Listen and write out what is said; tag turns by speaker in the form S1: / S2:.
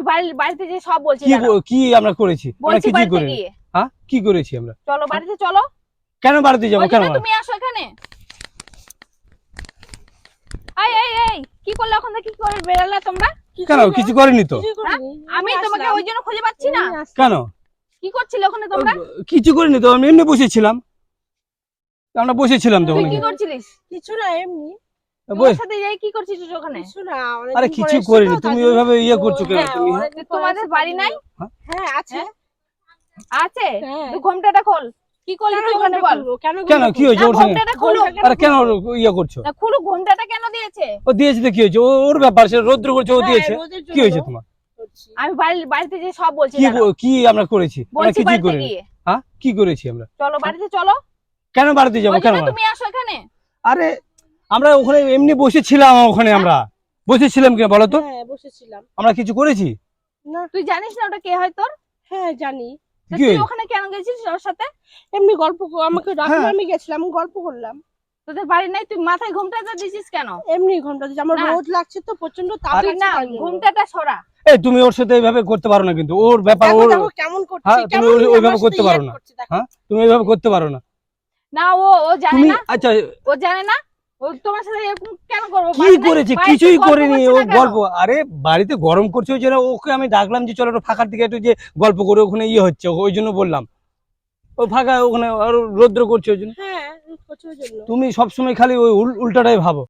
S1: বাড়িতে যে সব বলছি।
S2: কি আমরা করেছি? আমরা কিছু করিনি। হ্যাঁ, কি করেছি আমরা?
S1: চলো বাড়িতে চলো।
S2: কেন বাড়িতে যাবো? কেন
S1: তুমি আসো এখানে। এই এই এই কি করলে? ওখান থেকে কি করে বেরালে তোমরা?
S2: কেন কিছু করিনি তো।
S1: আমি তোমাকে ওই জন্য খুঁজে পাচ্ছি না।
S2: কেন
S1: কি করছিলে ওখানে তোমরা?
S2: কিছু করিনি তো, আমি এমনি বসেছিলাম। আমরা বসেছিলাম তো।
S1: তুই কি করছিলিস?
S3: কিছু না, এমনি।
S1: ওর সাথে যাই কি করছিস ওখানে?
S3: কিছু না,
S2: আরে কিছু করিনি, তুমি ওইভাবে ইয়ে করছো কেন তুমি?
S1: তোমাদের বাড়ি নাই?
S3: হ্যাঁ আছে।
S1: আছে? তুই ঘোমটাটা খোল। কি করলি তুই ওখানে বল?
S2: কেন কি হয়েছে ওর সঙ্গে?
S1: ঘোমটাটা খুলো।
S2: আরে কেন ইয়ে করছো?
S1: না খুলো, ঘোমটাটা কেন দিয়েছে?
S2: ও দিয়েছে তো কি হয়েছে? ওর ব্যাপার, সে রৌদ্র করছে, ও দিয়েছে। কি হয়েছে তোমার?
S1: আমি বাড়িতে যে সব বলছি।
S2: কি আমরা করেছি? আমরা কিছু করিনি। হ্যাঁ, কি করেছি আমরা?
S1: চলো বাড়িতে চলো।
S2: কেন বাড়িতে যাবো? কেন
S1: তুমি আসো এখানে।
S2: আরে আমরা ওখানে এমনি বসেছিলাম, ওখানে আমরা বসেছিলাম কি বলো তো?
S3: হ্যাঁ বসেছিলাম।
S2: আমরা কিছু করেছি
S3: না।
S1: তুই জানিস না ওটা কে হয় তোর?
S3: হ্যাঁ জানি।
S1: তুই ওখানে কেন গেছিস ওর সাথে?
S3: এমনি গল্প, আমাকে ডাকলো, আমি গেছিলাম, গল্প করলাম।
S1: তোদের বাড়ি নাই, তুই মাথায় ঘোমটাটা দিছিস কেন?
S3: এমনি ঘন্টা দিছি, আমার রোদ লাগছে তো প্রচন্ড তাপ।
S1: না ঘোমটাটা সরা।
S2: এই তুমি ওর সাথে এইভাবে করতে পারো না, কিন্তু ওর ব্যাপার। ওর
S3: কেমন করছে,
S2: হ্যাঁ, তুমি ওইভাবে করতে পারো না। হ্যাঁ, তুমি এইভাবে করতে পারো না।
S1: না ও জানে না।
S2: আচ্ছা
S1: ও জানে না। ও তোমার সাথে এরকম কেন করব?
S2: কি করেছে? কিছুই করিনি। ও গল্প, আরে বাড়িতে গরম করছে ওই জন্য ওকে আমি ডাকলাম যে চলো একটু ফাঁকার দিকে একটু যে গল্প করে, ওখানে ইয়ে হচ্ছে ওই জন্য বললাম। ও ফাঁকা ওখানে আর রৌদ্র করছে ওই জন্য।
S3: হ্যাঁ,
S2: তুমি সবসময় খালি ওই উল্টাটাই ভাবো।